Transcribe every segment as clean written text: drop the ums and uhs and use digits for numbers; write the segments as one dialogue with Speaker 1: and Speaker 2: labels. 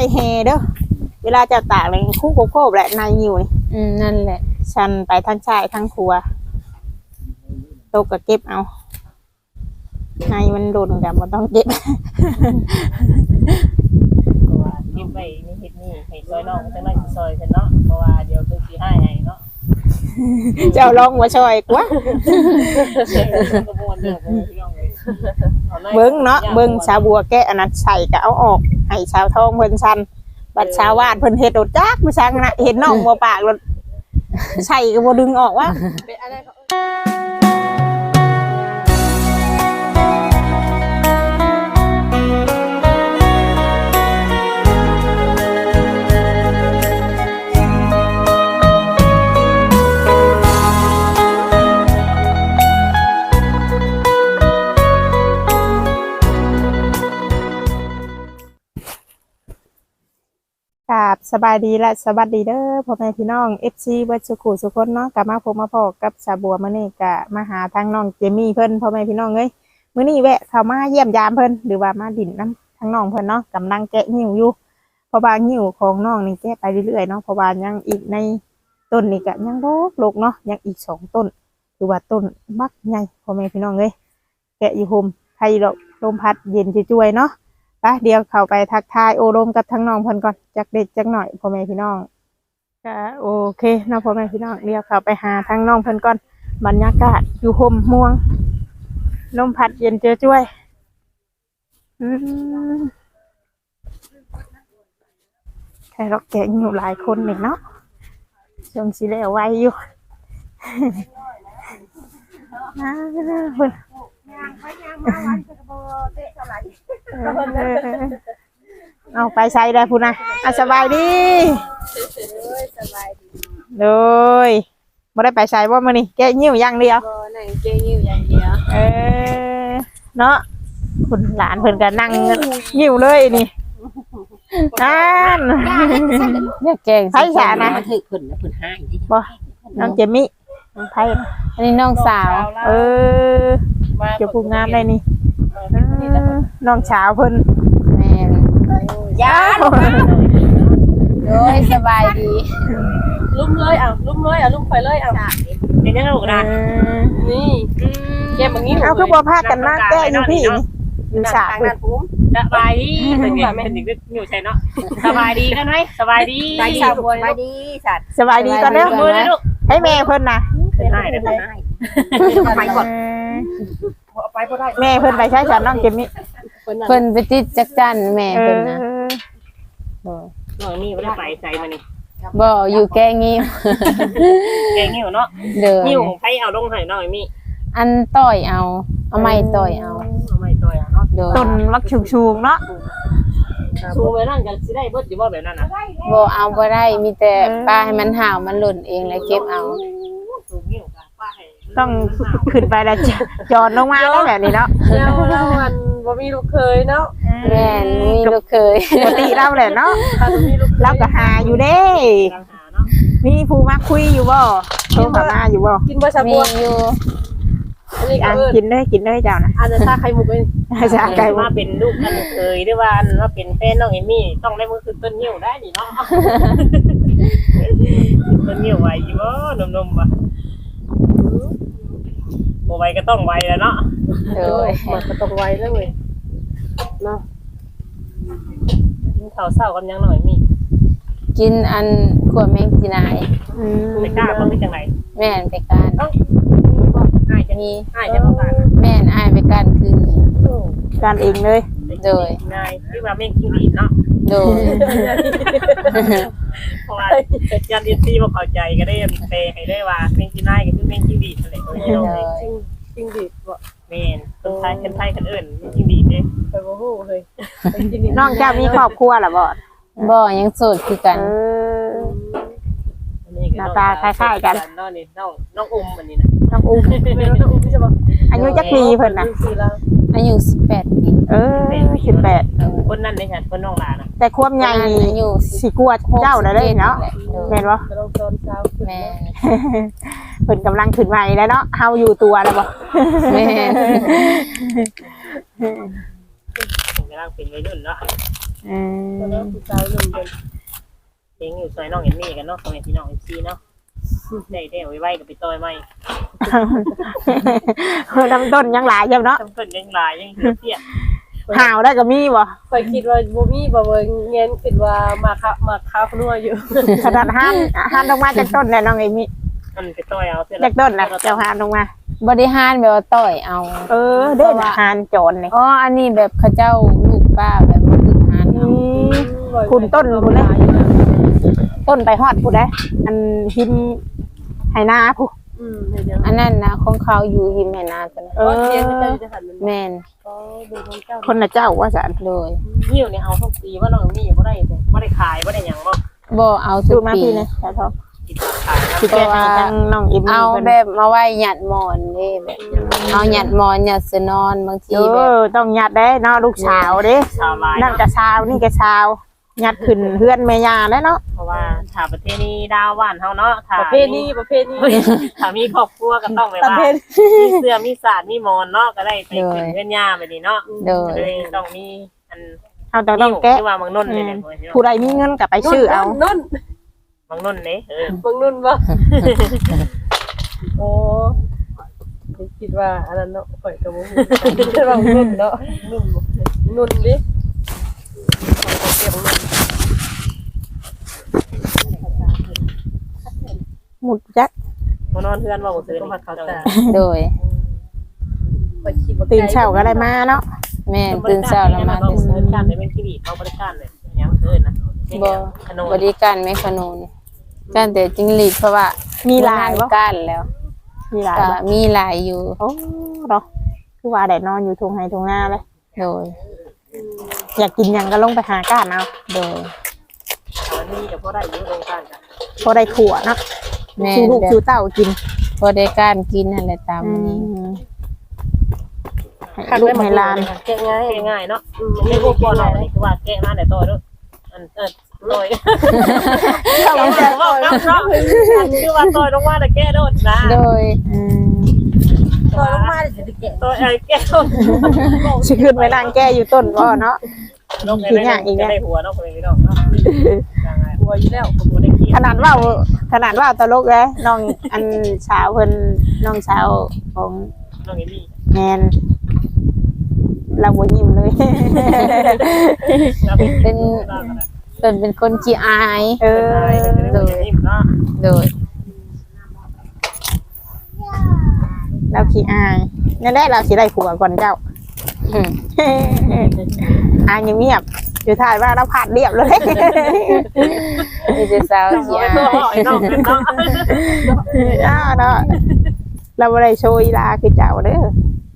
Speaker 1: แฮเด้อเวลาจะตากเลยคู่โคบแหละนายหิวนี่
Speaker 2: นั่นแหละ
Speaker 1: ฉันไปทั้งชายทั้งครัวโตก็เก็บเอานายมันโดนกันบ่ต้องเก็บ
Speaker 3: เพราะว่าเก็บไว้นี่เฮ็ดนี่ให้ซอยน้องจังได๋สิซอยซั่นเนาะเพราะว่าเดี๋ยวเพิ่นสิให้เนาะ
Speaker 1: เจ้าลองบ่ช่วยกว่าเบิ่งเนาะเบิ่งชาวบัวแกะอันนั้นใส่ก็เอาออกให้ชาวทองเพิ่นชันบัดชาววาดเพิ่นเฮ็ดโดดจักผู้ชังน่ะเห็นน้องบ่ปากรถใส่ก็บ่ดึงออกว่าเป็นอะไรครับสบายดีและสวัสดีเด้อพ่อแม่พี่น้อง FC เบิดสุขุสุคนเนาะกลับมาพบมาพอกับชาบัวมื้อนี้ก็มาหาทางน้องเจมี่เพิ่นพ่อแม่พี่น้องเอ้ยมื้อนี้แวะเข้ามาเยี่ยมยามเพิ่นหรือว่ามาดินน้ำทางน้องเพิ่นเนาะกำลังแกะหิ้วอยู่เพราะว่าหิ้วของน้องนี่แกะไปเรื่อยๆเนาะเพราะว่ายังอีกในต้นนี่ก็ยังโลกเนาะยังอีก2ต้นหรือว่าต้นบักใหญ่พ่อแม่พี่น้องเอ้ยแกะอยู่ห่มไผลมพัดเย็นช่วยๆเนาะเดี๋ยวเข้าไปทักทายโอรมกับทั้งน้องเพิ่นก่อนจักเด็กจักหน่อยพ่อแม่พี่น้องก็โอเคเนาะพ่อแม่พี่น้องเดี๋ยวเข้าไปหาทั้งน้องเพิ่นก่อนบรรยากาศอยู่ห่มม่วงลมพัดเย็นช่วยแค่เราแกะอยู่หลายคนนี่เนาะช่วงสิแล้วไวอยู่เพิ่นเอาไปใช้ได้พูนะสบายดีเลยไม่ได้ไปใช้ว่ามื้อนี้แกะยิ้วอย่างเดียว
Speaker 2: แกยิ้วอย่างเดียว
Speaker 1: เนาะคุณหลานเพิ่นก็นั่งยิ้วเลยนี่นั่น
Speaker 2: อยากแกง
Speaker 1: ไผสานะ
Speaker 3: มันถึกเพิ่นนะเพิ่นให้
Speaker 1: บ่น้องเจมี่น้องไผ
Speaker 2: อันนี้น้องสาว
Speaker 1: เจ้าผู้งามได้นี่น้องสาวเพิ่น
Speaker 2: แม่
Speaker 1: ย่า
Speaker 2: โอ้ยสบายดี
Speaker 3: ลุ่มเลยลุ่มไปเลยเป็นยังไงลูกนะนี่แกบางนี้
Speaker 1: เอาคือบ่พากันมาแก้อยู่พี่อยู่ฉากนั่นปุ๊บ
Speaker 3: สบายดีเป็นยังไงถึงอยู่ใช่เนาะสบายดีกันไหมสบายดี
Speaker 1: สบายดีสัตว์สบายดีกันแล้ว
Speaker 3: มือเลยลูก
Speaker 1: ให้แม่เพิ่นน่ะ
Speaker 3: ให้ไปก่อนไปบ่ได้
Speaker 1: แม่เพิ่นไปใช้ฉันน้องเจมี่
Speaker 2: เพิ่นไปติดจักจั่นแม่เพิ่นนะ
Speaker 3: น้องนี่บ่ได้ไปใส่มานี่
Speaker 2: บ่อยู่แกงิ้ว
Speaker 3: แกงิ้วเนาะงิ้วใครเอาลงให้น้องมี
Speaker 2: อันต่อยเอาไม้ต่อยเอา
Speaker 3: ไม้ต่อยเนาะ
Speaker 1: ต้นมักชูงๆเนาะ
Speaker 3: ชูไว้นั่นกันสิได้เบิดอยู่บ่แบบนั้นน่ะ
Speaker 2: บ่เอาบ่ได้มีแต่ป้าให้มันห่าวมันหล่นเองแล้วเก็บเอา
Speaker 1: ต้องขึ้นไปแล้วจอดลงมาแล้วแบบนี้เนาะ
Speaker 3: แล้วมันบ่มีลูกเคยเนาะ
Speaker 2: แม่นมีลูกเคย
Speaker 1: ปกติเราแหละเนาะเราก็หาอยู่เด้มีผู้มาคุยอยู่บ่โทรมาอยู่บ่
Speaker 3: กินบ่ชาบัว
Speaker 2: มีอยู่
Speaker 1: กินได้เจ้านะ
Speaker 3: อันนั้นถ้าไข่มุกเอง
Speaker 1: ชาไก่
Speaker 3: มาเป็นลูกกันเคยหรือว่าเป็นแฟนน้องเอมี่ต้องได้มือคือต้นหิ้วได้นี่เนาะต้นหิ้วไว้อยู่บ่นมๆบ่บ่ไวก็ต้องไวแล้วเนาะมันก็ต้องไวแล้วเว้ยเนาะกินข้าวเช้ากันยังหน่อยมี
Speaker 2: กินอันขวดแมงจีนาย
Speaker 3: ไปกล้าบ่มีจังได๋
Speaker 2: แม่นไปการ
Speaker 3: อ้ายจะมีอ้ายจะบ่การ
Speaker 2: แม่นอ้ายไปการคืน
Speaker 1: การเองเลย
Speaker 2: โดย
Speaker 3: นายที่ว่าแม่งกินดีเนาะ
Speaker 2: โดย
Speaker 3: เพราะว่ายันเอซี่บ่เข้าใจก็ได้แปลให้ได้ว่าแม่งกินนายก็คือแม่งกินดีนั่นแหละจริงดีบ่แม่นคนไทยคนอื่นแม่งกินดีเด้ไปบ่ฮู้เฮ้ย
Speaker 1: น้องเจ้ามีครอบครัวล่ะ
Speaker 2: บ่ยังโสดคือกัน
Speaker 1: หน้าตาคล้ายๆกัน
Speaker 3: น้องนี่น้องอุ้มอันนี้นะ
Speaker 1: น้องอุ้มอายุจักปีเพิ่นน่ะ
Speaker 2: อายุ18ปี
Speaker 1: 18
Speaker 3: คนนั้นได้ค่ะคนน้องหลานน่ะ
Speaker 1: แต่ความใหญ่นี่สิกลัวเจ้าได้เนาะแม่นบ่
Speaker 2: แม่
Speaker 1: เพิ่นกำลังขึ้นใหม่แล้วเนาะเฮาอยู่ตัวแล้วบ่
Speaker 2: แม่
Speaker 3: กำลังเป็นวัยรุ่นเนาะแล้วผู้สาวหนึ่งคนเองอยู่ซอยน้องเอ็มมี่กันเนาะซอยพี่น้องเอ็มซีเนาะได้ไว้กับไปต่อยไม่
Speaker 1: ลำต้นยังหลายอยู่เนาะ
Speaker 3: ทำต้นยังลายยังเทียบ
Speaker 1: ห่าวได้ก็มีบ่
Speaker 4: ข่อยคิดว่าบ่มีบ่เบิ่งเงินคิดว่ามาค้านัวอยู่
Speaker 1: ขนาดห้านลงมาจากต้นแล้วน้องเอมี่
Speaker 3: มันไปต่อยเอาเสร็จ
Speaker 1: จากต้นนะเจ้าห้านลงมา
Speaker 2: บริหารแบบว่าต่อยเอา
Speaker 1: เด้อห้านโจรนี่
Speaker 2: อ๋ออันนี้แบบเขาเจ้าลูกป้าแบบมาฝึกหารเอา
Speaker 1: คุณต้นคุณนะต้นไปฮอดผู้ใดอันหิมไหนาผู้
Speaker 4: เห็นยัง
Speaker 2: อันนั้นนะของเขาอยู่หิมแม่นาตัวนั้น
Speaker 4: เสียงเจ้าจะหันมัน
Speaker 2: แม่น
Speaker 4: ก็ดูของเจ้า
Speaker 1: คนน่ะเจ้าว่าสัน
Speaker 2: โดย
Speaker 3: หิ้วเนี่ยเอาทุกปีว่าน้องเอ็มมี่บ่ได้บ่ได้ขายบ่ได้หยังบ่
Speaker 2: บ่เอาทุ
Speaker 1: ดู
Speaker 2: ก
Speaker 1: มา
Speaker 2: ปี
Speaker 1: พี่นะแต่ทอง
Speaker 3: กินขายนะ
Speaker 1: สิแกให้ทางน้องเอมี่
Speaker 2: เอา
Speaker 1: เพิ่น
Speaker 2: แบบมาไว้หยัดหมอนนี่แบบเอาหยัดหมอนหยัดเสนอนบางทีแบบ
Speaker 1: ต้องยัดได้เนาะลูกสาวเด้
Speaker 3: ชาวลาย
Speaker 1: นั่นก็ชาวนี่ก็ชาวยัดขึ้นเฮือนแม่ย่าแล้วเนาะ
Speaker 3: เพราะว่าถ้าประเทศนี้ดาวบ้านเฮาเนาะถ้า
Speaker 4: ประเภทนี้
Speaker 3: ถ้ามีครอบครัวก็ต้องแบบ
Speaker 4: ประ
Speaker 3: ว่า
Speaker 4: เภท
Speaker 3: มีเสื้อมีสาดมีมอนเนาะก็ได้ไปขึ้นเพื่อนย่าไปนี่เนาะ
Speaker 2: โดย
Speaker 3: เลยต้องมีอัน
Speaker 1: เอาต้องแกะ
Speaker 3: ที่ว่าบางนุ่นเลยเนี่ย
Speaker 1: ผู้ใดมีเงินก็ไปชื่อเอา
Speaker 4: นุ่น
Speaker 3: บางนุ่นเนี่ย
Speaker 4: บางนุ่นบ่โอ้คิดว่าอันนั้นเนาะข่อยก็บ่ฮู้คิดว่านุ่นเนาะนุ่นดิข่อยก็เก็บนุ่น
Speaker 1: หมุดจัก
Speaker 3: มานอนเพื่อนว่าบ่ซื้อ
Speaker 4: ก็มาเขาตา
Speaker 2: โดย
Speaker 4: ข่อยคิดว่า
Speaker 1: ตื่นเช้าก็ได้มาเนาะ
Speaker 2: แม่นตื่นเช้าแล้วมา
Speaker 3: ต้อง
Speaker 2: แต่
Speaker 3: บริการได้เป็นที่ดีเขาบริการเลยยังเกินนะ
Speaker 2: บ่บริการไม่ขนุนการแต่จิงหรีดเพราะว่า
Speaker 1: มี
Speaker 2: มี
Speaker 1: ลายบ่
Speaker 2: ก้านแล้ว
Speaker 1: มีลาย
Speaker 2: ก็
Speaker 1: บ่
Speaker 2: มีหลายอยู่
Speaker 1: โอ้เนาะคือว่าได้นอนอยู่ทุ่งไร่ทุ่งนาเลย
Speaker 2: โดย
Speaker 1: อยากกินหยังก็ลงไปหาก้านเอา
Speaker 2: โดย
Speaker 3: นี่จะพอได้ยุ่งโรงการกัน
Speaker 1: พอได้ขัวเนาะ
Speaker 2: แม่
Speaker 1: ชูลูก
Speaker 2: แบบ
Speaker 1: ชูเต้ากิน
Speaker 2: พอได้การกินอะไรตามนี้
Speaker 1: ให้ลูกให้หลาน
Speaker 4: แกะง่าย
Speaker 3: ง่ายเนาะไม่พวกพ่อเราคือว่าแกะมาแต่ต่อด้วยอันต่อยเราแต่ว่าเนาะคือว่าต่อยลงมาแต่แกะโดดนะ
Speaker 2: โดย
Speaker 4: ตัวลงมาเดี๋ยวจะแกะ
Speaker 3: ต่อยแกะ
Speaker 1: สิขึ้นไปนั่งแก้อยู่ต้นบ่เนาะ
Speaker 3: ลงได้หัวเนาะคนนี้เนาะ
Speaker 4: หัวอยู่แล้ว
Speaker 3: ผมได้ขี้
Speaker 1: ขนาดว่าตลกเลยน้องอันสาวเพิ่นน้องสาวของ
Speaker 3: น้องเอมี่
Speaker 1: แมนเราบ่ยิ้มเลย
Speaker 2: เป็นคนขี้อาย
Speaker 3: โดยเนาะ
Speaker 2: โดย
Speaker 1: เราขี้อายนั่นแหละเราสิได้ผัวก่อนเจ้า
Speaker 2: อืม
Speaker 1: อายเงียบๆอยู่ท้ายว่าเราผ่านเรียบเลย
Speaker 2: มีแต่สาวขี้อาย
Speaker 3: น้องเป็นเนาะ
Speaker 1: อ้าวเนาะเราบ่ได้โชว์อีลาคือเจ้าเด้อ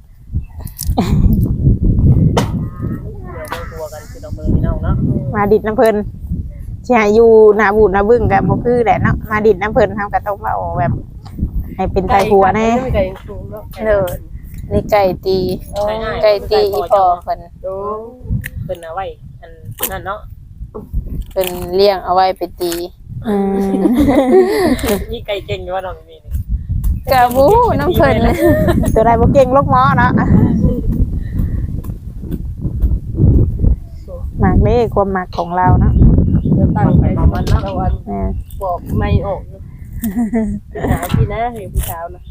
Speaker 3: ตัวกันคือน้องเบอร์พี่น้องเนาะ
Speaker 1: มาดิดน้ำเพิ่นสิให้อยู่หน้าบูดหน้าบึ้งก็บ่คือแหละเนาะมาดิดน้ำเพิ่นเฮาก็ต้องเว้าแบบให้เป็นไทยผัวแน่
Speaker 4: ไม่ไก่สูงเนาะ
Speaker 2: เด้อนี่ไก่ตีไก่ตีอีพอเพิ่น
Speaker 4: โอ้
Speaker 3: เป็นเอาไว้อันนั่นเนาะ
Speaker 2: เพิ่นเลี้ยงเอาไว้ไปตี
Speaker 1: อืม
Speaker 3: นี่ไก่เก่งอยู่ว่าน้องมีนี่
Speaker 2: กะบูน้ำเพิ่น
Speaker 1: ตัวใดบ่เก่งลูกหมอเนาะหมากนี่ความหมักของเราเนาะ
Speaker 4: จะตั้งไปประมาณนั้นวัน
Speaker 1: แม่
Speaker 4: บอกไม่ออกหาพี่นะเห็นผู้สาวนะ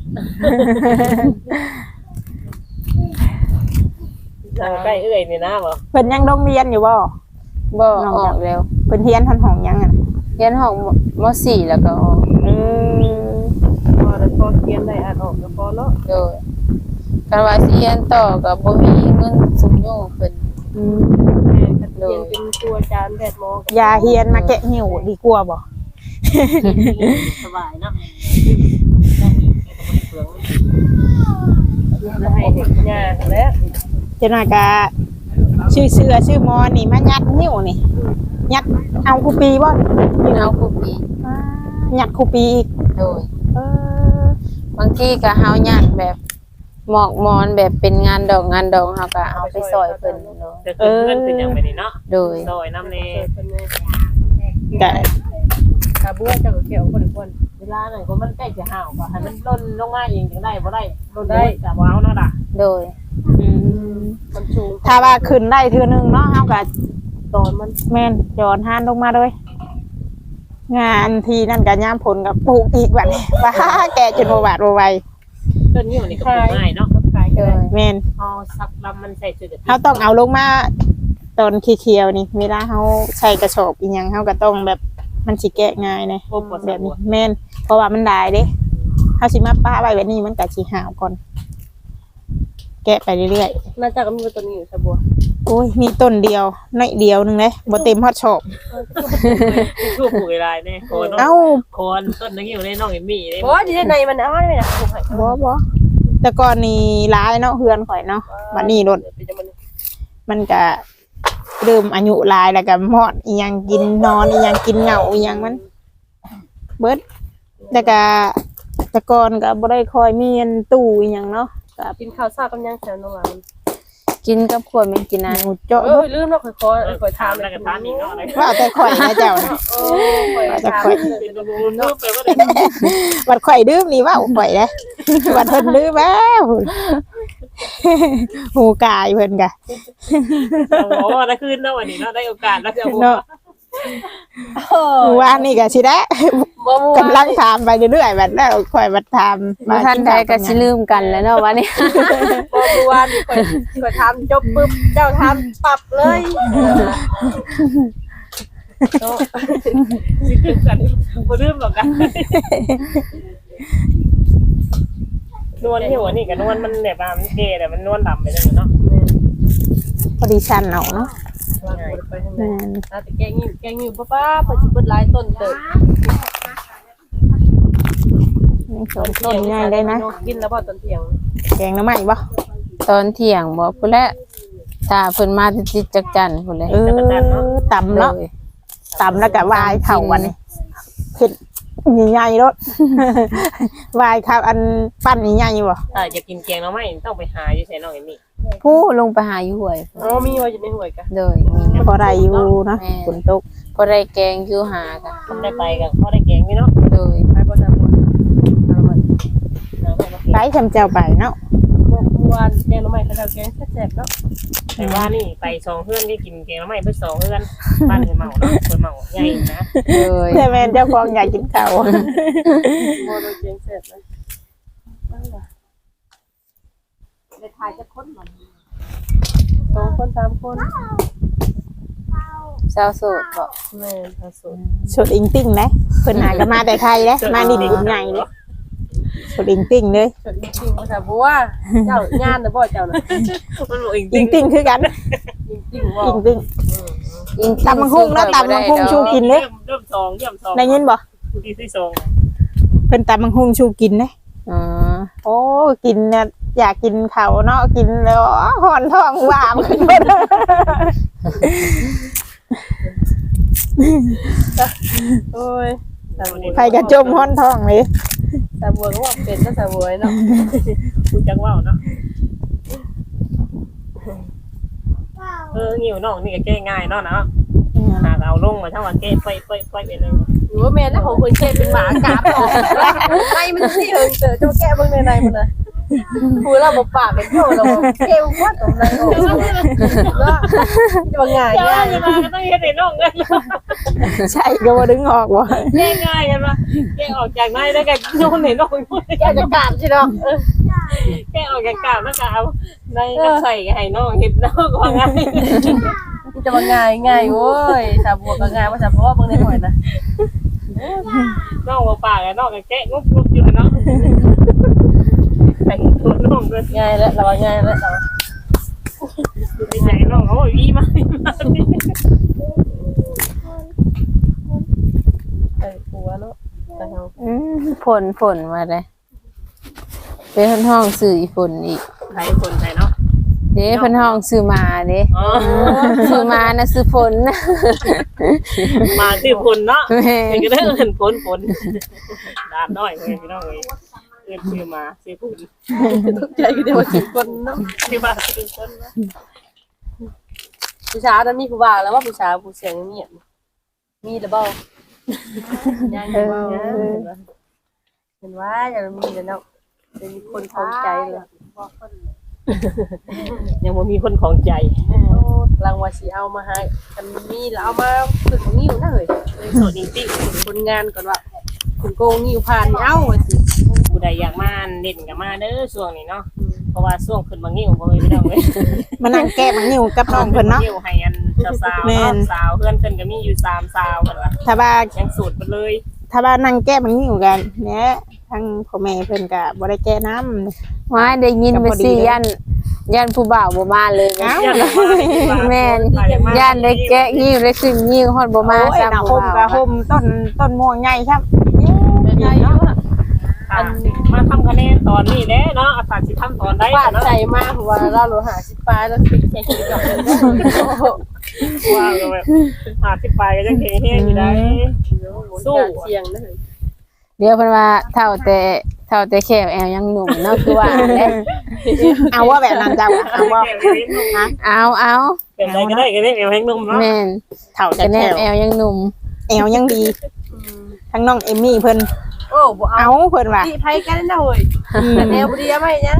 Speaker 3: ใกล้เอื้อยนี่นะบ่
Speaker 1: เพิ่นยังโรงเรียนอยู่บ่
Speaker 2: บ่ออกแล้ว
Speaker 1: เพิ่นเรียนทันห้องยังอ่ะ
Speaker 2: เรียนห้องม .4 แล้วก็ออก
Speaker 4: พอแล้วพอเขียนได้อ่านออกก็พอเนาะ
Speaker 2: โดยกันว่าสิเรียนต่อก็บ่มีเงินสูงโยงเพิ่น
Speaker 4: เขียนเป็นตัวอาจารย์แพทย์หมอ
Speaker 1: อย่าเฮียนมาแกะหิวดีกว่าบ่
Speaker 3: สบายเนาะ
Speaker 4: ให้เด็กง่ายแล้ว
Speaker 1: เจ้าหน้ากะชื่อเสือชื่อมอนี่มายัดหิวนี่ยัดเอาคูปีบ่
Speaker 2: เอาครูปี
Speaker 1: ยัดคูปีอีก
Speaker 2: โดยบางทีก็เฮาญาติแบบหมอกมอนแบบเป็นงานดอกเฮาก็เอาไปซอยเพิ่นเนาะ
Speaker 3: จะขึ้นเงินขึ้นอย่างไปนี่เนาะ
Speaker 2: โดย
Speaker 3: ซอยน้ำเน
Speaker 1: กะ
Speaker 4: กาบัวเจ้าก็เกี่ยวคน
Speaker 3: เวลาหน่อยก็มันใกล้จะห่าวก็ให้มันล่นลงมาเองจังได้บ่ได้ล่นได้แต่ว้าวเนาะด่ะ
Speaker 2: โดย
Speaker 4: มันสูง
Speaker 1: ถ้าว่าขึ้นได้เทื่อนึงเนาะเฮาก็
Speaker 4: ตอนมัน
Speaker 1: แม่นย้อนหานลงมาเลยงานทีนั่นก็ย่ามผลกับปลูกอีกบัดนี้ว้าแกจนบ่บาดบ่ไหว
Speaker 3: ต้นนี้นี่ก็ปลูกง่ายเนาะ
Speaker 4: ขายกัน
Speaker 1: แม่น
Speaker 3: เอาสักลำมันใส่จุด
Speaker 1: เฮาต้องเอาลงมาตอนเขียวๆนี่เวลาเฮาใส่กระสอบอีหยังเฮาก็ต้องแบบมันสิแกะง่ายนะ
Speaker 3: โอ้ปวด
Speaker 1: แบบนี้แม่นเพราะว่ามันได้เด้เฮาสิมาป้าไว้แบบนี้มันก็สิหาวก่อน แกะไปเรื่อย
Speaker 4: น่าจะก็มีตัวนี้อยู่ซะบัว
Speaker 1: ๆโอ้ยมีต้นเดียวน้อยเดียวหนึงเด้บ่เต็มฮอดชอบ
Speaker 3: ช่วปลูกอะไรเนี่ยโคน
Speaker 1: เอ้า
Speaker 3: โคนต้นนึงอยู่ในน้องเอมี่เลย
Speaker 4: บ่ดีในมันเอาได้มั้ยนะปลูกให้
Speaker 1: บ่แต่ก่อนนี่ร้ายเนาะเฮือนข่อยเนาะบัดนี้รถ
Speaker 4: เป็นจังมัน
Speaker 1: มันก็เริ่มอายุหลายแล้วก็มอดอีหยังกินนอนอีหยังกินเหงาอีหยังมัน เบิดแต่ก็แต่ก่อนก็บ่ได้คอยมีอันตู้อีหยังเนาะก็
Speaker 4: กินข้าวซากับยังแซวน้องหลาน
Speaker 2: กินกับขวดแม่งกินอัน
Speaker 1: หมูเจาะ
Speaker 4: ลืมเนาะค่อยถาม
Speaker 3: แล้วก็ทานอีกเนาะอะไร
Speaker 1: ว่าแต่ข่อยนะเจ้านะ
Speaker 4: โอ้ค่อยถาม
Speaker 3: เป็นบำรุงเนาะไปว่าได้
Speaker 1: บัดข่อยดื่มนี่ว่าข่อยเด้บัดเพิ่นดื่มแล้วหูกายเพิ่นก็
Speaker 3: โอ้ได้คืนเนาะวันนี้เนาะได้โอกาสแล้วจะเอา
Speaker 1: เนาะว่านี่ก็สิได้
Speaker 4: บ่ม่
Speaker 1: กำลังถามไปเรื่อยๆบัดแล้วข่อยบัดถาม
Speaker 2: บ่ทันใดก็สิลืมกันแล้วเนาะวันนี้
Speaker 4: บ่ม่วนค่อยถามจบปึ๊บเจ้าถามปรับเลยเนาะ
Speaker 3: สิคืนกันบ่ลืมหรอกกันนวลที่หัวนี่กับนวลมันแบบมันเกแต่มันนวลดำไปเลยเนาะ
Speaker 1: พอดีชันเอาเนาะ
Speaker 4: วางไปทางไหน
Speaker 1: แม่น
Speaker 4: แต่แกงอยู่ป้าเพิ่นสิเปิดหลายต้นเติบ
Speaker 1: ยังสองต้นง่ายได้นะ
Speaker 4: กินแล้วบ่ตอนเที่ยง
Speaker 1: แกงหน้ำใหม่บ่
Speaker 2: ตอนเที่ยงบ่พุ่นแหละถ้าเพิ่นมาติดจักจันพุ่นแหละ
Speaker 1: ตำเนาะ
Speaker 2: เลย
Speaker 1: ตำแล้วก็วายเข่าวันนี้เผ็ดใหญ่ๆรถ วายข้าวอันปั้นใหญ่ๆบ่
Speaker 3: ถ้าจะกินแกงเราไม่ต้องไปหาอยู่ใส่น้องเอมี่
Speaker 2: ผู้ลงไปหาอยู่ห้วย
Speaker 4: อ๋อมีไว้อยู่ในห้วยกะ
Speaker 2: โดยมี
Speaker 1: พอได้อยู่เนาะฝนตก
Speaker 2: พอได้แกงอยู่หากัน
Speaker 3: มันได้ไปกันพอได้แกงนี่เนาะ
Speaker 2: โดย
Speaker 4: ไปบ่ทำบ่เอามัน
Speaker 1: ไปชำเจ้าไปเนาะ
Speaker 4: เมื่อวานแกงหน่อไม้เขาแกงแซ่บๆเนาะ
Speaker 3: แต่ว่านี่ไป2เฮือนที่กินแกงเราไม่เพิ่น2เฮือนบ้านเพิ่นเมาเนาะเพิ่นเมาใหญ่นะ
Speaker 2: โดย
Speaker 1: แต่แม่นเจ้าของอยากกินข้าว
Speaker 4: บ่ได้แกงแซ่บนะได้ถ่ายจักคนมัน2คน3คน
Speaker 2: สาวโสดบ่
Speaker 4: แม่ผสม
Speaker 1: สุดอิงติ้งนะเพิ่นหาก็มาแต่ไทยเด้มานี่บุญใหญ่เด้สุดอิงติ้งเลย
Speaker 4: จดจริงๆว่าแต่บัวเจ้าย่านน่ะบ่เจ้าน่ะ
Speaker 3: มันบอกอีก
Speaker 1: อิงติ้งคือกัน
Speaker 4: จริงๆบ่
Speaker 1: อิงติ้ง
Speaker 2: อิง
Speaker 1: ตำบักหุ่งเนาะตำบักหุ่งชูกินเด้
Speaker 3: เริ่ม2เยี่ยม2
Speaker 1: ได้ยินบ่
Speaker 3: ที่
Speaker 1: เพิ่นตำบักหุ่งชูกินเด้
Speaker 2: อ๋อ
Speaker 1: โอ้กินเนี่ยอยากกินข้าวเนาะกินแล้วหอนท้องวามขึ้นหมด
Speaker 4: โอ้ยสาวบัว
Speaker 1: ใครก็จมหอนท้องเลย
Speaker 4: สาวบัวก็ว่าเป็นก็สาวบัวเนาะ
Speaker 3: คุณจังว่าวเนาะงิ้วน้องนี่ก็แก้ง่ายเนาะเนาะหากเอาลงมาทั้งวันแก้ไปไปเลย
Speaker 4: หรือว่าแม่นะของคนเช่เป็นหมากราบออกในมันสิเอิงเจอเจ้าแก้เบิ่งในมันน่ะพูดแล้วบ่ปากเป็นโยแล้วบ่เก้วว่าตรงไหนออกแล้วจะว่าง่าย
Speaker 3: เจ้า
Speaker 4: ง่าย
Speaker 3: จะมาก็ต้องเฮ็ดให้น้องกัน
Speaker 1: ใช่ก็บ่ดึงออกบ่
Speaker 3: แก้ง่ายกันว่าแก้ออกจากไม้ได้กันโดนให้น้อง
Speaker 4: แก้จะกราบสิเนาะ
Speaker 3: แก้ออกจากกาบแล้วก็เอาในน้ำใส่ให้น้องเฮ็ดน้องก็ง่าย
Speaker 4: จะว่าง่ายง่ายโว้ยสาวบัวก็ง่ายว่าสาวบัวเบิ่งในหอยนะ
Speaker 3: น้องบ่ปากน้องก็แก้งุบอยู่เนาะใส่ตัวน้องด้วย
Speaker 4: ง่ายแล้วเราว่าง่ายแล้วเรา
Speaker 3: ดีใจน้องเขาบอกอีมา
Speaker 4: ใส่หัวเนาะแต่เฮา
Speaker 2: ฝนมาเลยเป็นห้องสื่ออีฝนอีก
Speaker 3: ใครคนใครเนาะ
Speaker 2: เด้เพิ่นห้องซื้อมาเด้
Speaker 3: อ๋อ
Speaker 2: ซื้อมานะซื้อฝนนะ
Speaker 3: มาชื่อพลเนาะ
Speaker 2: แม่
Speaker 3: นี่ก็ได้เอิ้นพลดาบน้อยเว้ยพี่น้องเอ้ยเอิ้นชื่อมาชื่อพูด
Speaker 4: ตกใจก็เดี๋ยวสิคนเนาะ
Speaker 3: ชื่อมาชื่อคนนะ
Speaker 4: ผู้ชายนั้นมีผู้บ่าวแล้วว่าผู้ชายผู้เสียงเงียบมีหรือเปล่ายังเห็นว่าอย่ามีแล้วเนาะจะมีคนท้องใจเลย
Speaker 3: ยังบ่มีคนของใจ
Speaker 4: รางวัลสิเอามาให้กันมีแล้วเอามาฝึกงิ้วนะเฮ้ย
Speaker 3: โสดจริง
Speaker 4: ผลงานก่อนว่าคุณโกงงิ้วผ่านเอ้าว่าสิ
Speaker 3: ๆผู้ใดอยากมาเล่นก็มาเด้อช่วงนี้เนาะเพราะว่าช่วงขึ้นบางนิ้วบ่มีพี่น้องเว้ย
Speaker 1: มานั่งแก้มังนิ้วกับน้องเพิ่นเนาะ
Speaker 3: นิ้วให้อันสาวๆ
Speaker 1: แม่
Speaker 3: เนาะ
Speaker 1: น
Speaker 3: สาวเพื่อนเพิ่นก็มีอยู่3สาวเพิ่นว่า
Speaker 1: ถ้าว่า
Speaker 3: ยังสูตรเพิ่นเลย
Speaker 1: ถ้าว่านั่งแก้มังนิ้วกันเนี่ยทั้งพ่อแม่เพิ่นก็บ่ได้แก้น้ำ
Speaker 2: ว่าได้ยินไปสิยันผู้บ่าวบ่มาเลย
Speaker 1: เอ้า
Speaker 2: แม่นยันได้แกะงิ้วได้ขึ้นงิ้วฮอดบ่มา
Speaker 1: โอ้ย
Speaker 2: ซ้ำ
Speaker 1: น่ะ
Speaker 2: ผู้
Speaker 1: ห่มก็
Speaker 2: บ่าว
Speaker 1: ห่มต้นม่วงใหญ่ครับ
Speaker 4: ใหญ่เนาะ
Speaker 3: อันมาทำคะแนนตอนนี้แหละเนาะอาจารย์สิทำตอนใด
Speaker 4: ฟาด
Speaker 3: เนาะ
Speaker 4: ใจมากว่าเราโลหะ10ปลายแล้วปิดแค่คิดดอกนึง
Speaker 3: ว่าก็แบบ50ปลายก็ยังเฮงๆอยู่ได้
Speaker 4: สู้เสียงนะเฮ้ย
Speaker 2: เดี๋ยวเพิ่นว่าเท่าแต่แขวแอวยังหนุ่มเนาะคือว่าเด้
Speaker 1: เอาว่าแบบนั้นจ้าเอาว่าฮะ
Speaker 2: เอา
Speaker 3: เป็นไรก็ได้ก็ได้เอวแห้งนุ่มเนาะ
Speaker 2: แม่น
Speaker 1: เท่า
Speaker 2: แต่
Speaker 1: จะ
Speaker 2: แน
Speaker 1: แถ
Speaker 2: บ
Speaker 1: ว
Speaker 2: แอวยังหนุ่ม
Speaker 1: แอวยังดีทั้งน้องเอมมี่เพิ่น
Speaker 4: โอ้บ่เอา
Speaker 1: เอาเพิ่นว่า
Speaker 4: ที่ไผกันนะเฮ้ยแนวบ่ดีไหมยัง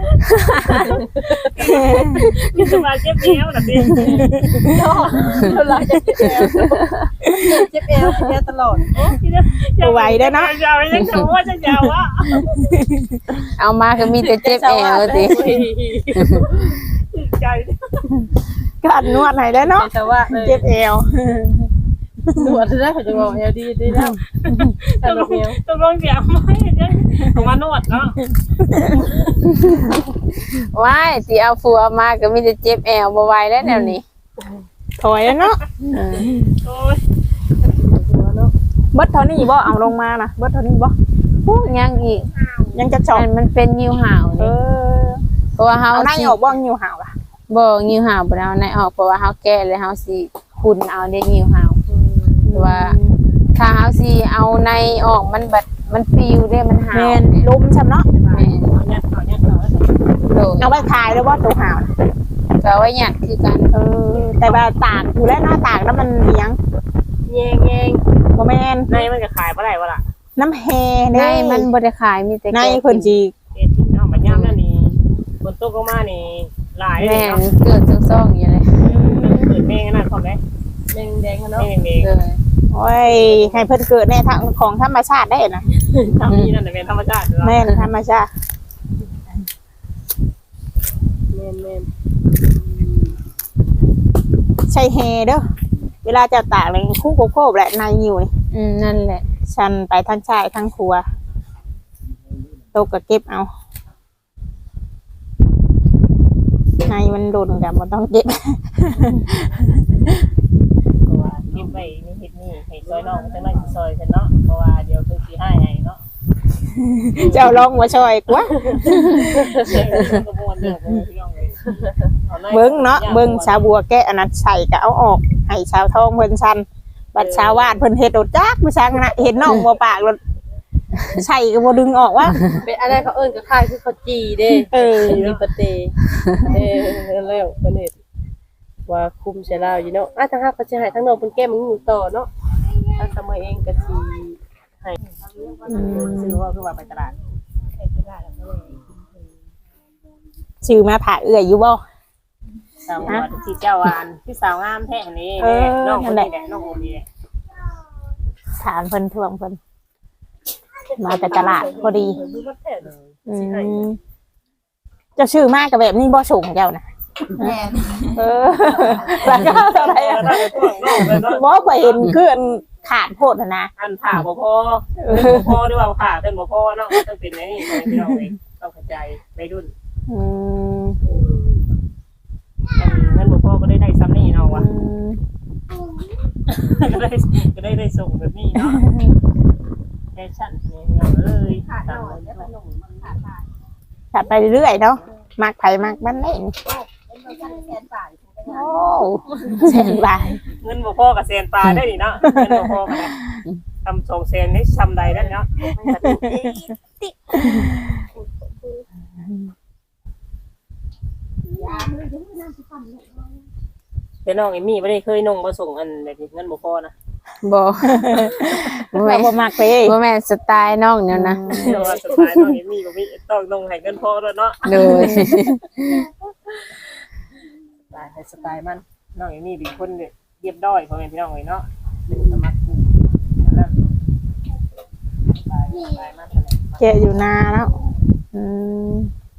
Speaker 3: มีสมาเจ็บเอวน่ะสิ
Speaker 4: เนาะเวลาจะเจ็บเอวตลอด
Speaker 1: ไหวเด้อเนาะ
Speaker 3: ยาวยังจะว่าจะยาวอ่ะ
Speaker 2: เอามาก็มีแต่เจ็บแอวติ
Speaker 3: ใจ
Speaker 1: ก็อัดนวดให้ได้อเนาะ
Speaker 4: แต่ว่า
Speaker 1: เจ็บแอว
Speaker 4: หนวดได้เขาจะบอกเอวดีได้แล้ว
Speaker 3: ต้องลองเสียงมายังของมานวดเนาะ
Speaker 2: ว้ายสิเอาผัวมาก็มีแต่เจ็บแอวบ่ไหวแล้วแนวนี้
Speaker 1: ถอยแล้วเนาะ
Speaker 3: โอ้ย
Speaker 1: เบิดเท่านี้บ่เอาลงมานะเบิดเท่านี้บ่
Speaker 2: ยังอีก
Speaker 1: ยังจะชอบ
Speaker 2: มันเป็นงิ้วห่าว
Speaker 1: เอ
Speaker 2: นี่
Speaker 1: อ
Speaker 2: เพราะว่าเฮา
Speaker 1: เอาใน
Speaker 2: สิ
Speaker 1: ออกบ่งิ้วหาวล่ะ
Speaker 2: บ่งิ้วห่าวบ่ได้เอาในออกเพราะว่าเฮาแก้แล้วเฮาสิคุณเอาได้งิ้วห่าวว่าถ้าเฮาสิเอาในออกมันบัดมันปิวเด้มันห่าว
Speaker 1: แม่นลุมซำเนาะ
Speaker 2: แม่น
Speaker 3: เอาเนี่ยเอาเนี่ยเอา
Speaker 2: โดย
Speaker 1: เอาไว้ขายแล้วบ่ตัวหาวน่ะ
Speaker 2: ก็ไว้หยัดคือกัน
Speaker 1: เออแต่ว่าตากอยู่แล้วเนาะตากแล้วมันเลี้ยง
Speaker 4: แยง
Speaker 1: บ่แม่น
Speaker 3: ในมันก็ขายบ่ได้บ่ล่ะ
Speaker 1: น้ำแฮ
Speaker 2: ใน
Speaker 1: เด้
Speaker 2: มันบ่ได้ขายมีแต่
Speaker 1: ใน
Speaker 2: แก้
Speaker 1: เพิ่นสิ
Speaker 3: เอ็ดเนาะมันย่ำนั่นนี่ฝนตกลงมานี่หลายเลย
Speaker 2: แม่น
Speaker 3: เนาะ
Speaker 2: เกิดซ่องๆอยู่เลย
Speaker 3: เกิดแม่งนั่นพร้อมได้
Speaker 4: แดงๆเนาะ
Speaker 3: แม่งเอง
Speaker 2: เลย
Speaker 1: โอ้ยให้เพิ่นเกิดในทางของธรรมชาติได้นะ
Speaker 3: ทำนี่นั่นเป็นธรรมชาติ
Speaker 1: แม่นธรรมชาติ
Speaker 4: แม่น
Speaker 1: ใช่แฮเด้อเวลาจะตากเลยคู่โคบแหละในอยู่นี่
Speaker 2: นั่นแหละ
Speaker 1: ชันไปทั้งชายทั้งครัวตกก็เก็บเอาในมันโดนกับมันต้องเก็บ
Speaker 3: เพราะว่าเก็บไว้นี่เฮ็ดนี่ให้ซอยน้องมันจังได๋สิซอยฉันเนาะเพราะว่าเดี๋ยวคือสิให้เนาะ
Speaker 1: เจ้าลองมาช่วยกว่า
Speaker 3: ก็ม่วนเด้อพี่น้องเอ้ย
Speaker 1: เบิ้งเนาะเบิ้งชาวบัวแกะอันนั้นใส่ก็เอาออกให้ชาวทองเพิ่นชันบัดชาววาดเพิ่นเฮ็ดโดดจักผู้ช่างนะเห็นน้องบ่ปากรถใส่ก็บ่ดึงออกว่า
Speaker 4: เป็นอะไรเขาเอิ้นก็คล้ายคือเขาจีเด้
Speaker 1: เออ
Speaker 4: มีปะเตแล้วเพิ่นเฮ็ดว่าคุมใส่ลาวอยู่เนาะทางฮักก็สิให้ทางน้องเพิ่นแก้มันอยู่ต่อเนาะทางเสมอเองก็สิให้
Speaker 3: ซื้อว่าคือว่าไปตลาด
Speaker 1: ชื่อมาผ่าเอื้อยอยู่บ่
Speaker 3: สาวว่าที่เจ้าวานที่สาวงามแท้นี่น้องคนนี้แหละน้องโอนี่แหละ
Speaker 1: ถามเพิ่นทวงเพิ่นมาแต่ตลาดพอดีอืมเจะชื่อมากกับแบบนี้บ่สูงเจ้านะ
Speaker 2: แม่น
Speaker 1: เออราคาเท่าไหร่อะบ่เคยเห็นคืออันขาดโพดนะ
Speaker 3: อันผ่าบ่พอพอด้วยว่าผ่าเต้นบ่พอเนาะต้องเป็นไงนี่พี่น้องเอ้ยต้องเข้าใจในรุ่น
Speaker 1: อืม
Speaker 3: เงินบ่พอก็ได้ซ้ำนี่เนาะวะก็ได้ส่งแบบนี้เนาะแฟชั่นนี่เนาะเอ้ยตามเลย
Speaker 1: ถัดไปเรื่อยๆเนาะมักไผมักมันได้นี่โอ้แสนบาท
Speaker 3: เงินบ่พอกับแสนปลาได้นี่เนาะเงินบ่พอกันทำ2แสนนี่ซ้ำใดได้เนาะแต่น้องเอมี่บ่ได้เคยนงบ่ส่งอันแบบนี้เงินบ่พอนะ
Speaker 2: บ่บ่
Speaker 1: เรา
Speaker 2: แม่น
Speaker 1: บ่มักไป
Speaker 2: บ่แม่นสไตล์น้องเนี่ยนะ
Speaker 3: เนาะสไตล์น้องเอมี่บ่มีต้องนงให้เงินพอแล้วเนาะ
Speaker 2: โดย
Speaker 3: สไตล์มันน้องอย่างนี้เป็นคนเรียบร้อยพ่อแม่พี่น้องเลยเนาะเป็นสมัครนั่นสไตล์มัน
Speaker 1: แกะอยู่นาแล้วอืม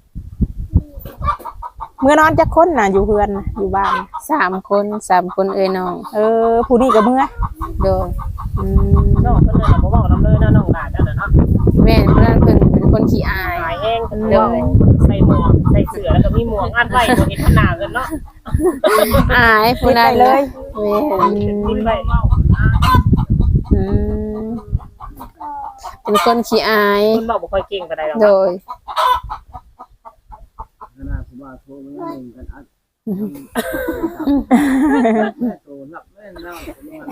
Speaker 1: เมื่อนอนจักคนน่ะอยู่เฮือนน่ะอยู่บ้าน
Speaker 2: 3 คนเอ้ยน้อง
Speaker 1: ผู้นี้ก็เมื่อ
Speaker 2: โดย
Speaker 1: อืม
Speaker 3: น้องเพิ่นเลยบ่เว้านำเลยนะน้องหลานนั่นน่ะเนาะ
Speaker 2: แม่นเพิ่นเป็นคนขี้อาย
Speaker 3: หายแห้งเพิ่นเด้อใส่หมวกใส่เสื้อแล้วก็มีหมวกอัดไว้บ่เห็นหน้าเพิ่นเนาะ
Speaker 2: อายผู้
Speaker 1: ปิด
Speaker 2: นั้
Speaker 1: ไป
Speaker 2: น
Speaker 1: เลย
Speaker 2: แม่น
Speaker 3: กินไว้
Speaker 1: อืม
Speaker 2: เป็นคนขี้อาย
Speaker 3: เพิ่นบอกบ่ค่อยเก่งปานใดหรอก
Speaker 2: โดย
Speaker 5: ขนาดผมว่าโทรมันยังหนึ่งกันอัดโทรหลับแม่นแล้ว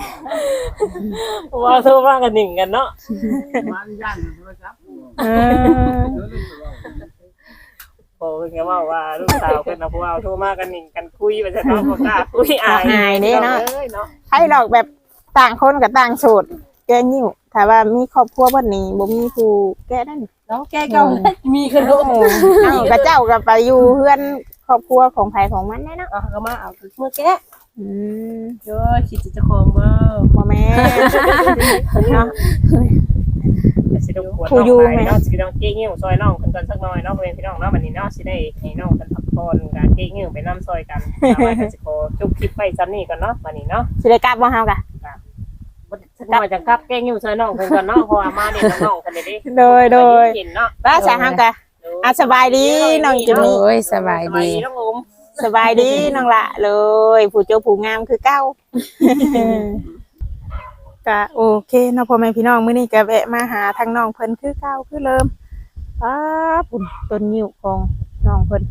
Speaker 3: ว่าโทรมากันหนึ่งกันเนาะ
Speaker 5: มันย่านโทรศัพท์
Speaker 1: เออ
Speaker 3: โอ้เพิ่นก็เว้าว่าลูกสาวเพิ่นน่ะผู้ว่าโทรมากันหนึ่งกันคุยว่าจะเนาะบ่กล้าคุยอายเนาะ
Speaker 1: ให้หรอกแบบต่างคนกับต่างโสดแกนิ้วถ้าว่ามีครอบครัวบ่นี้บ่มีผู้แก้นั่น
Speaker 4: น้องแก้เก่ามีขนม
Speaker 1: เอ้าก็เจ้าก็ไปอยู่เพื่อนครอบครัวของไผของมันแน่เนาะ
Speaker 4: ก็มาเอาเมื่อแก้
Speaker 1: อืม
Speaker 4: เด้อคิดจะคองบ่
Speaker 1: บ่แม่เนาะ
Speaker 3: สิรบกวนน้องไปเนาะสิน้องเก้งิ้วซอยน้องเพิ่นก่อนสักหน่อยเนาะพ่อแม่พี่น้องเนาะบัดนี้เนาะสิได้ให้น้องเพิ่นพักผ่อนการเก้งิ้วไปนำซอยกันเอาไว้ก็สิขอจบคลิปไว้ซ้ำนี้ก่อนเนาะบัดนี้เนาะ
Speaker 1: สิได้กลับบ่เฮากะ
Speaker 3: บ่สักหน่อยจังกลับเก้งิ้วซอยน้องเพิ่นก่อนเนาะเพราะว่ามานี่น้องๆกันเด้
Speaker 1: โดย
Speaker 3: กินเนาะ
Speaker 1: ว่าสาเฮากะสบายดีน้องจิม
Speaker 2: โด
Speaker 1: มี่
Speaker 2: ยสบายดี
Speaker 3: น้องอม
Speaker 1: สบายดีน้องละเลยผู้เจ้าผู้งามคือเก้า ก็โอเคเนาะพ่อแม่พี่น้องมื้อนี้ก็แวะมาหาทางน้องเพิ่นคือเก้าคือเริ่มป๊าปุ่นต้นนิ้วของน้องเพิ่น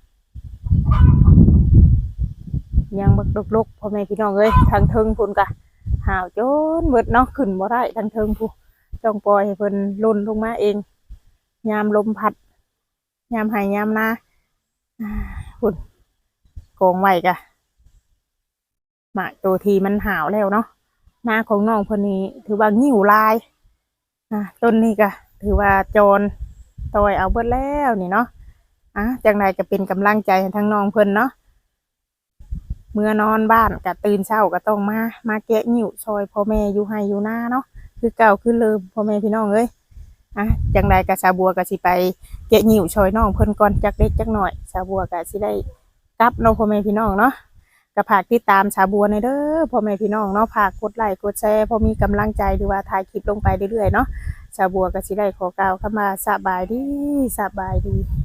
Speaker 1: ยังบักดกๆพ่อแม่พี่น้องเอ้ยทางเทิงพุ่นก็หาวจนเบิดเนาะขึ้นบ่ได้ทางเทิงผู้ต้องปล่อยให้เพิ่นหล่นลงมาเองยามลมพัดยามให้ยามนาพุ่นโกงไว้กะมาตัวทีมันหาวแล้วเนาะหน้าของน้องคนนี้ถือว่างิ้วลายต้นนี้ก็ถือว่าโจรตอยเอาเบิดแล้วนี่เนาะจังใดก็เป็นกำลังใจให้ทั้งน้องเพิ่นเนาะเมื่อนอนบ้านก็ตื่นเช้าก็ต้องมาแกะงิ้วซอยพ่อแม่อยู่ให้อยู่หน้าเนาะคือเก่าคือเลิมพ่อแม่พี่น้องเอ้ยจังใดก็สาบัวก็สิไปแกะงิ้วซอยน้องเพิ่นก่อนจักเล็กจักหน่อยสาบัวก็สิได้กลับเนาะพ่อแม่พี่น้องเนาะก็ฝากติดตามสาบัวในเด้อพ่อแม่พี่น้องเนาะฝากกดไลค์กดแชร์พอมีกำลังใจหรือว่าถ่ายคลิปลงไปเรื่อยๆเนาะสาบัวก็สิได้ขอกล่าวคำว่าสบายดี